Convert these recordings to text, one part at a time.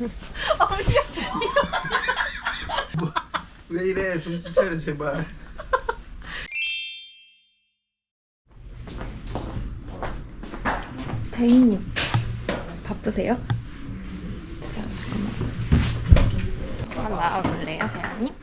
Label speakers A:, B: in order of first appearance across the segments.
A: 왜 이래? 정신 차려 제발.
B: 제이님 바쁘세요? 잠깐만 나와볼래요, 제이님?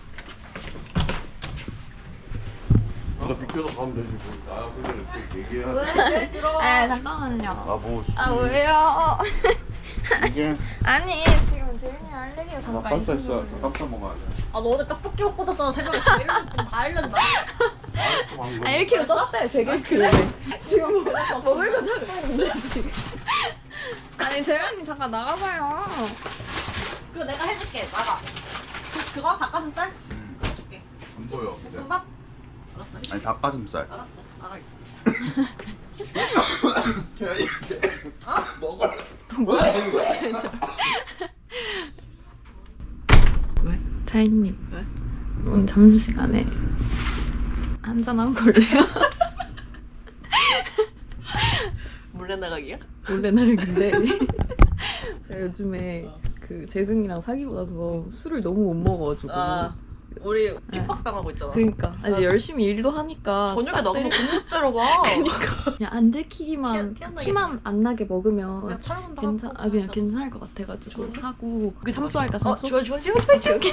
A: 너 비켜서 가면 되지 뭐. 나 근데 또 얘기해야 돼.
C: 왜 들어?
B: 네, 잠깐만요.
A: 뭐
B: 아 왜요?
A: 이게
B: 아니 지금 제이님 알레르기가 잠깐
A: 깜짝
B: 있어서
A: 있어. 깜짝 먹어야 돼.
C: 아, 너 어제 떡볶이 먹고 잤잖아. 새벽에 제일 다 알렸나?
B: 아 1kg 쪘대, 101kg. 지금 먹을 거 찾고 있는데 지금. 아니 재현이 잠깐 나가봐요.
C: 그거 내가 해줄게. 나가. 그거 닭가슴살? 그거 줄게.
A: 안 보여. 근데.
C: 볶음밥? 알았어.
A: 아니 닭가슴살.
C: 알았어. 나가 있어.
A: 먹어.
B: 왜? 자인님 왜? 오늘 점심시간에 한잔 하고 올래요?
C: 몰래 나가기야?
B: 원래 나는데 제가 요즘에 그 재승이랑 사귀고 나서 술을 너무 못 먹어가지고
C: 우리 핍박당하고 있잖아.
B: 그러니까 이제 열심히 일도 하니까
C: 저녁에
B: 싹
C: 너무
B: 때리-
C: 공부째로 봐.
B: 그냥 안 들키기만
C: 티 안 나게.
B: 티만 안 나게 먹으면
C: 그냥 촬영한다.
B: 그냥 괜찮을 것 같아가지고 하고 삼수할까
C: 어,
B: 삼수?
C: 좋아.
B: 오케이 오케이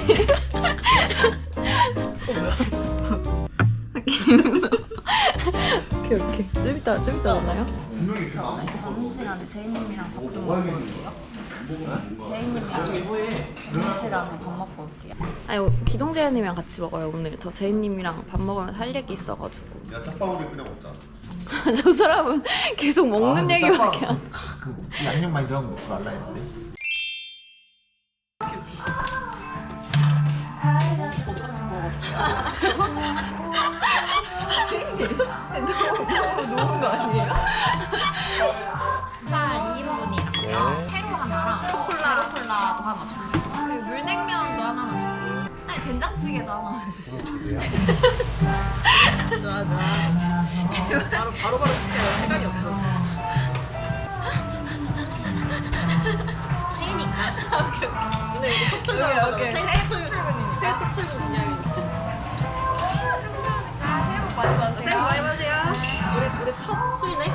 B: 오케이 좀 이따 만나요?
A: 분명히 이렇게 안
B: 점심시간에 제이님이랑 밥 좀
A: 먹어.
B: 먹고 올게요. 제이님이랑 점심시간에 밥 먹고 올게요. 아니 기동재현님이랑 같이 먹어요 오늘. 저 제이님이랑 밥 먹으면 할 얘기 있어가지고.
A: 야 짝방울이 그냥 먹자.
B: 저 사람은 계속 먹는 얘기밖에 안.
D: 그 양념 많이 들어간 거 먹지 말라 했는데.
B: 녹은 거 아니에요? 쌀 2인분이랑 페로 하나랑 제로콜라도 하나 주세요. 그리고 물냉면도 하나만 주세요. 아니 된장찌개도 하나 주세요.
C: 좋아. 바로 시켜요. 시간이 없어. 새니까. 오케이. 근데 이거 첫 출근.
B: 오케이.
C: 새해 출근이니까. 새해 첫 출근 분양이니까.
B: 새해 복 많이 받으세요.
C: 새해 복 많이 받으세요. 우리 첫 수이네.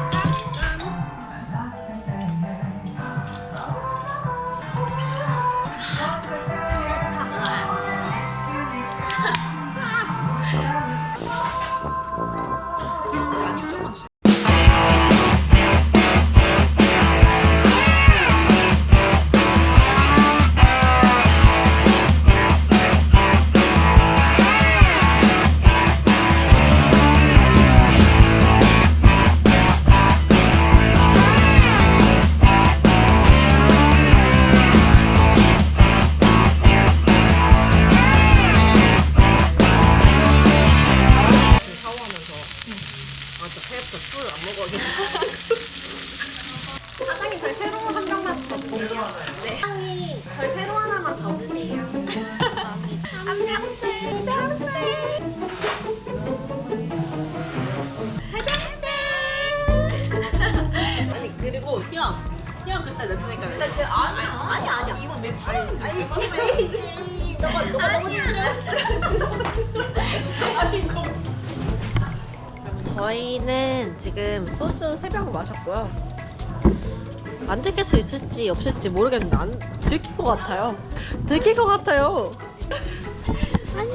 C: 사장님 저희 새로 한 병만 더 주세요. 네. 사장님 저희 새로 하나만 더 주세요. 감사합니다. 한 병째. 아니 그리고 형 그때 냈으니까. 근데 그 아니야. 이건 내 촬영. 아니 너가 아니야. 아니 이거. 저희는 지금 소주 3병을 마셨고요. 안 들킬 수 있을지 없을지 모르겠는데 안 들킬 것 같아요. 들킬 것 같아요. 안녕.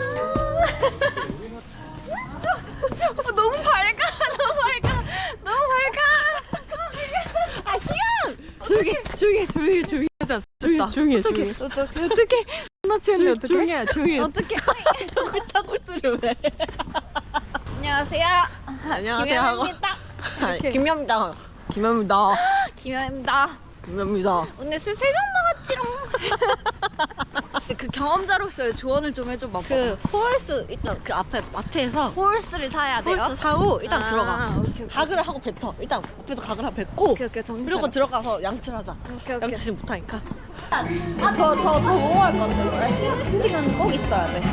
B: 너무 밝아. 너무 밝아. 아 희연.
C: 조용히. 조용히.
B: 어떡해. 나 취했네 어떡해.
C: 조용히.
B: 어떡해.
C: 탁구스를 왜?
B: 안녕하세요.
C: 안녕하세요 하고.
B: 김현입니다.
C: 김현입니다. 김현입니다.
B: 오늘 술 3병 먹었지롱. 그 경험자로서의 조언을 좀 해줘 봐.
C: 그 홀스 일단 그 앞에 마트에서
B: 홀스를 사야 돼요?
C: 홀스 사고 일단
B: 아,
C: 들어가.
B: 오케이.
C: 가글을 하고 뱉어. 일단 앞에서 가글 하고 뱉고
B: 오케이 정신
C: 그리고 들어가서 양치하자.
B: 오케이.
C: 양치 못하니까.
B: 더 먹어야 할 건데. 시즈스틱은 꼭 있어야 돼.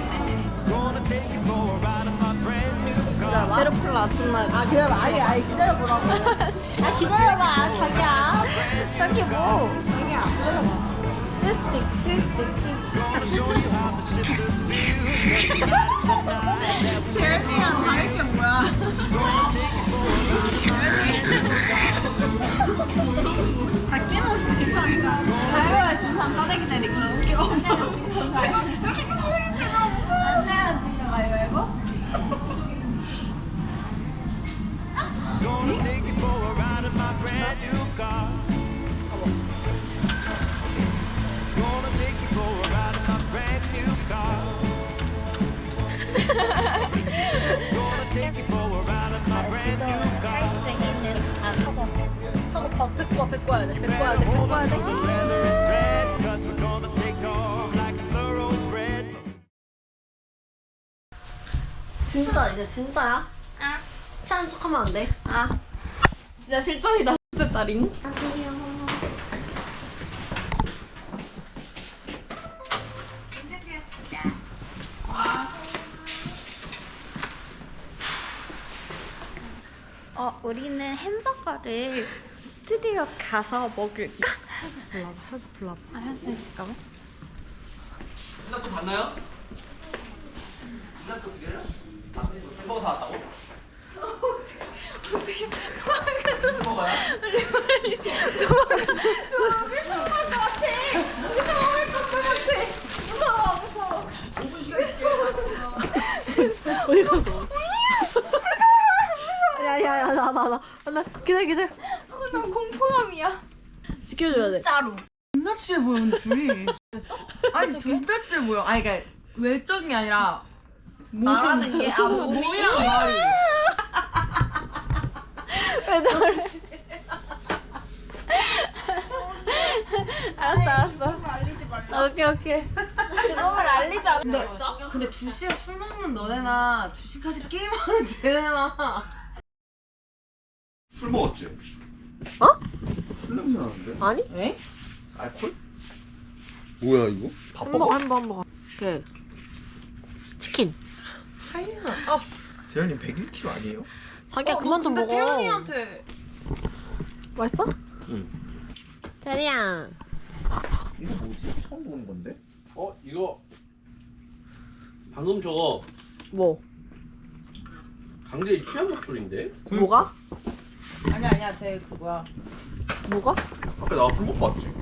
B: 제로콜라 존나.
C: 아 기다려봐. 아니 기다려보라고.
B: 아 기다려봐 자기야. 저기 뭐.
C: 자기야 기다려봐.
B: 재현이랑 다른 게 뭐야? 다 깨먹었어 괜찮아. 가요가 진상 싸대기 때리기 웃겨. 안 내가 지금 가위바위보?
E: Gonna take you for a ride in my brand new car. Gonna take you for a ride in my brand new car. Gonna take you for a ride in my brand new car.
C: 하고 뱉고 와야 돼.
E: Better hold on to the leather and thread, 'cause we're gonna take off like a thoroughbred.
C: 진짜 이제 진짜야?
B: 아,
C: 취한 척하면 안 돼.
B: 아, 진짜 실전이다. 진짜 딸잉. 우리는 햄버거를 스튜디오 가서 먹을까?
C: 해서 불러봐.
B: 아, 현수 잠깐만.
F: 신나 또 봤나요? 신나 또 어떻게 해요? 햄버거 사왔다고?
B: 어떻게
F: 햄버거야?
C: 야야야 나 기다려.
B: 나 공포감이야.
C: 지켜줘야 돼.
B: 진짜로.
G: 존나 취해 보여 오늘 둘이. 아니 존나 취해 보여. 아니 그러니까 외적이 아니라
B: 나라는 게 몸이랑
G: 말이.
B: 왜 저래? 알았어. 오케이. 그놈을 알리지 않는
G: 근데 2시에 술 먹는 너네나 2시까지 게임하는 쟤네나.
A: 술 먹었지?
C: 어?
A: 술 냄새 나는데?
C: 아니?
G: 에?
A: 알콜? 뭐야 이거?
C: 햄버거. 그 치킨.
D: 재현님 101kg 아니에요?
C: 자기야 그만 좀 먹어.
G: 태연이한테
C: 맛있어?
D: 응.
C: 태리야.
D: 이거 뭐지? 처음 보는 건데?
F: 이거 방금 저거
C: 뭐?
F: 강제의 취한 목소리인데?
C: 뭐가?
G: 아니야 쟤 그 뭐야.
C: 뭐가?
A: 아까 나 술 먹고 왔지?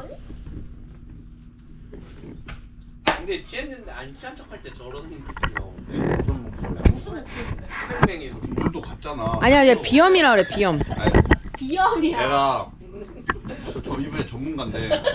F: 근데 취했는데 안 취한 척할 때 저런 느낌이 나오는데
A: 무슨 목소리?
F: 뺑뺑이
A: 물도 갔잖아.
H: 아니야, 얘 비염이라 그래, 비염.
A: 아니,
C: 비염이야.
A: 내가 저 이번에 전문가인데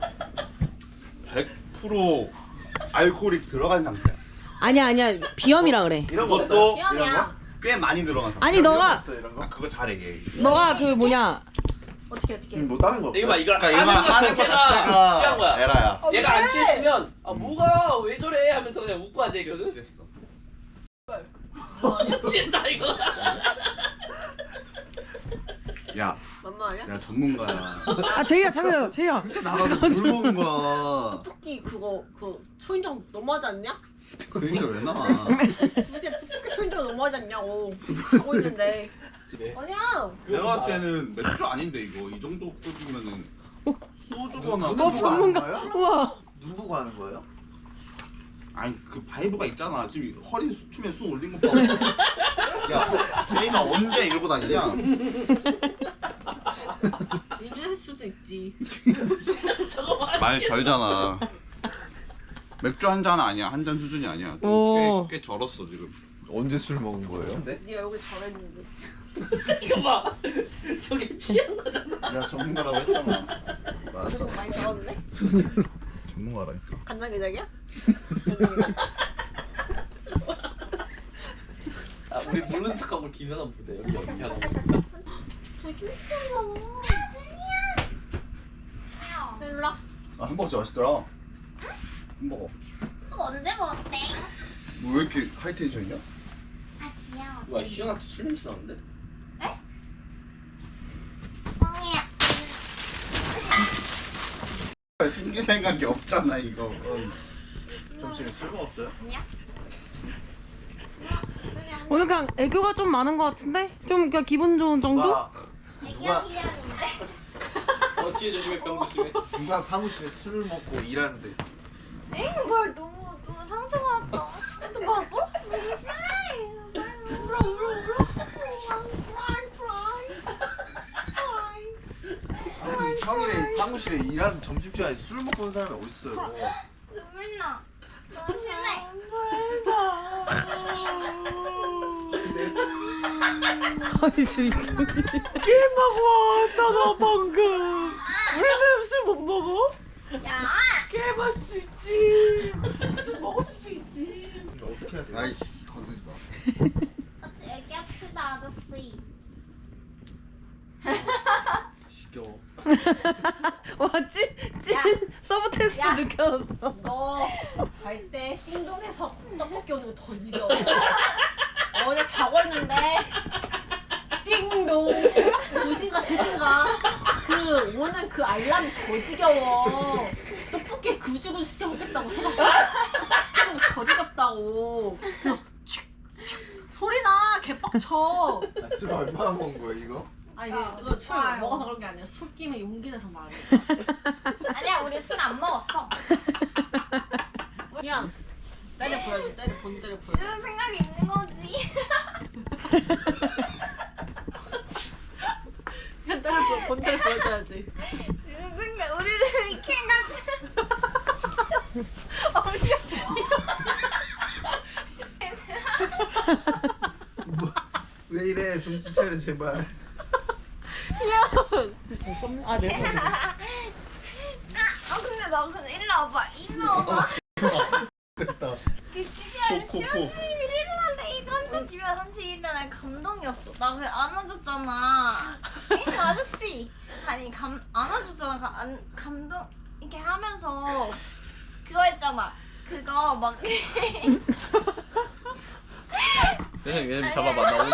A: 100% 알코올이 들어간 상태야.
H: 아니야, 비염이라 그래.
A: 이런 것도
C: 비염이야.
A: 꽤 많이 들어간 상태.
H: 아니, 너가,
A: 아, 그거 잘해 얘.
H: 너가 그 뭐냐.
C: 어떻게?
D: 뭐 다른 거 없어요?
F: 이거 봐 이걸
A: 그러니까 이거 하는 거
F: 취한
A: 자체가
F: 거야
A: 에라야.
F: 얘가 안 취했으면 뭐가 왜 저래 하면서 그냥 웃고 앉아있거든?
A: 취했어.
F: 취했다 이거
A: 야,
C: 만만 아니야?
A: 내가 전문가야.
H: 아, 제이야.
A: 나가서 물 먹은 거야.
C: 토끼 그거 초인종 너무하지 않냐?
A: 그러니까 왜 나와?
C: 도대체 토끼 초인종 너무하지 않냐고 하고 있는데. 아니야.
A: 내가 봤을 때는 맥주 아닌데 이거 이 정도 꽂으면은 소주거나.
H: 전문가. 우와.
D: 눈 보고 하는 거예요?
A: 아니 그 바이브가 있잖아. 지금 허리 춤에 쑥 올린 거 봐. 야, 세이가 언제 이러고 다니냐?
C: 입을 수도 있지.
A: 말 절잖아. 맥주 한 잔 아니야. 한 잔 수준이 아니야.
H: 오.
A: 꽤 절었어 지금.
D: 언제 술 먹은 거예요? 네?
C: 네가 여기 저랬는데.
F: 이거 봐 저게 취한 거잖아
A: 내가 전문가라고 했잖아. 맞아.
C: 조금 많이 저었네.
A: 전문가라니까.
C: 간장게장이야?
F: 우리 모르는 척하고 김연아 보자 여기 하나
C: 일로 와.
A: 아 햄버거 진짜 맛있더라. 햄버거.
B: 언제 먹었대?
A: 뭐 왜 이렇게 하이텐션이야?
B: 아 귀여워.
F: 와 희연한테 술 냄새 나는데?
A: 신기생각이 없잖아 이거.
D: 점심에 술 먹었어요?
H: 오늘 그냥 애교가 좀 많은 것 같은데? 좀 그냥 기분 좋은 정도?
D: 누가
F: 뒤에 조심해 병 조심해.
D: 누가 사무실에 술을 먹고 일하는데
B: 뭘 너무 상처받았다. 또 봤어? 너무 싫어. 울어.
D: 아니 평일에 사무실에 일하는 점심시간에 술 먹고 온 사람이 어딨어요?
B: 눈물 나. 너무 싫네.
H: 아니 진짜. 게임하고 왔잖아 방금. 우리는 술 못 먹어?
B: 야.
H: 게임할 수 있지. 술 먹을 수도 있지.
D: 어떻게 해야 돼?
A: 아이씨 건들지 마.
B: 얘기합시다 아저씨.
D: 지겨워.
H: 와 찐 서브 테스트
C: 야.
H: 느껴졌어.
C: 너 잘 때 띵동에서 떡볶이 오는 거 더 지겨워. 어제 자고 있는데 띵동 2시인가 3시인가 그 오는 그 알람이 더 지겨워. 떡볶이 그 죽은 시켜 먹겠다고 새벽 시켜 먹는 더 지겹다고. 그냥 소리나 개빡쳐.
D: 아, 술 얼마나 먹은 거야 이거?
C: 아 이거 술 먹어서 그런 게 아니라 술 끼면 용기 내서 말해.
B: 아니야 우리 술 안 먹었어.
C: 그냥 때려 보여줘. 본 때려 보여줘.
B: 지금 생각이 있는 거지.
C: 그냥 본 때려 보여줘야지.
B: 지금 생각 우리 이렇게
D: 왜 이래 정신 차려 제발.
H: 아 네.
B: 근데 나 근데 일로 와봐.
D: 됐다.
B: 그 12월 31일 날에 이런 12월 31일 날 감동이었어. 나 그냥 안아줬잖아. 이 아저씨. 아니 안아줬잖아. 감동 이렇게 하면서 그거 했잖아. 그거 막
F: 얘네 잡아봐 나 오늘.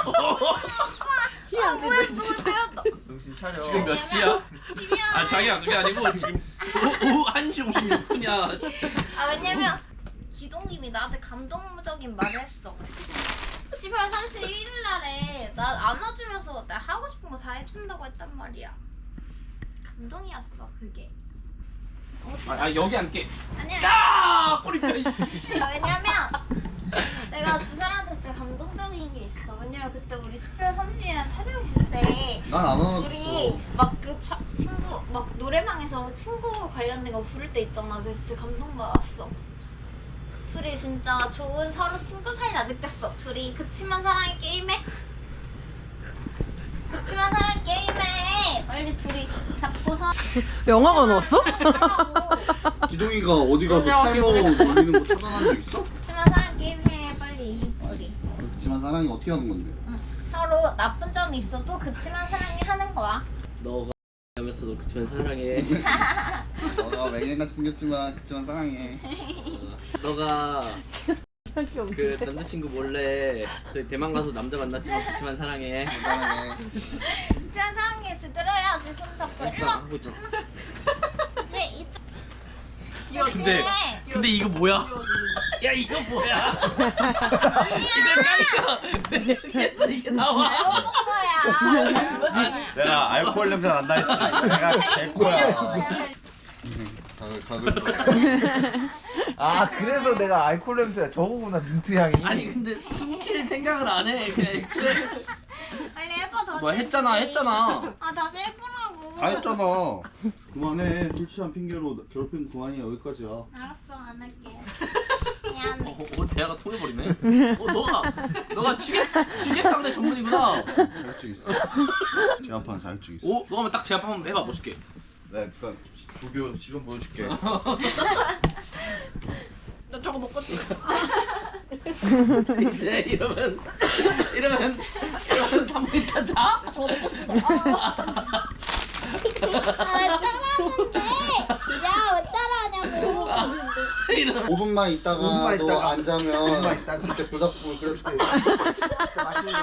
B: 뭐야 너무
D: 정신 차려.
F: 지금 몇 시야?
B: 12월
F: 아 자기야 그게 아니고 지금 오후 1시 56분이야.
B: 왜냐면 기동님이 나한테 감동적인 말을 했어. 12월 31일 날에 나 안아주면서 나 하고 싶은 거 다 해준다고 했단 말이야. 감동이었어 그게.
F: 아 여기 앉게.
B: 아니야.
F: 야 꼬리뼈 이씨.
B: 왜냐면 내가 두 사람한테 진짜 감동적인 게 있어. 왜냐면 그때 우리 11월 30일에 촬영 있을 때
A: 난 안 안아줬어.
B: 둘이 막 그 친구 막 노래방에서 친구 관련된 거 부를 때 있잖아. 그래서 진짜 감동받았어. 둘이 진짜 좋은 서로 친구 사이를 느꼈어. 둘이 그치만 사랑의 게임해. 그치만 사랑의 게임해. 빨리 둘이 잡고
H: 영화가 넣었어?
B: 하라고.
A: 기동이가 어디 가서 타이머 돌리는 거 차단한 적 있어?
B: 그치만 사랑 게임해 빨리. 우리.
A: 그렇지만 사랑이 어떻게 하는 건데?
B: 서로 나쁜 점이 있어도 그치만 사랑이 하는 거야.
F: 너가 하면서도 그치만 사랑해.
A: 너가 맹행같이 생겼지만 그치만 사랑해.
F: 너가 그 남자친구 몰래 저희 대만 가서 남자 만났지만 그치만 사랑해.
A: 사랑해.
B: 그치만 사랑해 제대로 해야지. 손 잡고 일로 와.
F: 하고 있잖아.
B: 이제
F: 근데 이거 뭐야? 야 이거 뭐야? 이거 까니까 이게 나와.
B: 거야.
A: 내가 알코올 냄새 난다 했지. 내가 개코야. 가글.
D: 아 그래서 내가 알코올 냄새가 저거구나 민트 향이.
F: 아니 근데 숨길 생각을 안 해. 그냥 애초에
B: 빨리 해봐 다시.
F: 뭐 했잖아.
B: 아 다시 해보라고.
A: 다 했잖아. 그만해. 술 취한 핑계로 괴롭히는 그만이야. 여기까지야.
B: 알았어 안 할게. 미안해.
F: 대화가 통해버리네. 너가 취객 상대 전문이구나.
A: 자격증 있어. 제한판 자격증 있어.
F: 너 하면 딱 제압 한번 해봐 멋있게.
A: 내가 일단 조교 지금 보여줄게.
C: 나 저거 먹고 싶어.
F: 이제 이러면 3분 있다 자?
C: 저거 먹고 싶어.
B: 아왜 따라하는데? 야왜 따라하냐고.
A: 5분만 있다가
D: 5분만
A: 너
D: 있다가.
A: 안 자면
D: 5분만 있다가.
A: 그때 불닭국을 끓여줄게.
D: 맛있는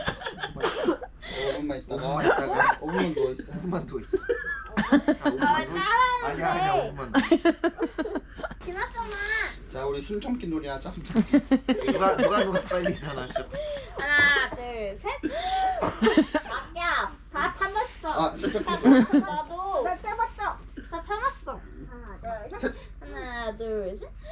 A: 5분만 있다가 5분만 누워있어.
D: 5분만 더 있어.
B: 아왜 따라하는데?
D: 아니야 5분만 더 있어.
B: 지났잖아.
A: 자 우리 숨 참기 놀이 하자.
D: 누가 빨리 전화하셔.
B: 하나 둘 셋. 야 다 참았어.
A: 아, 시작해.
B: 나도 둘 셋.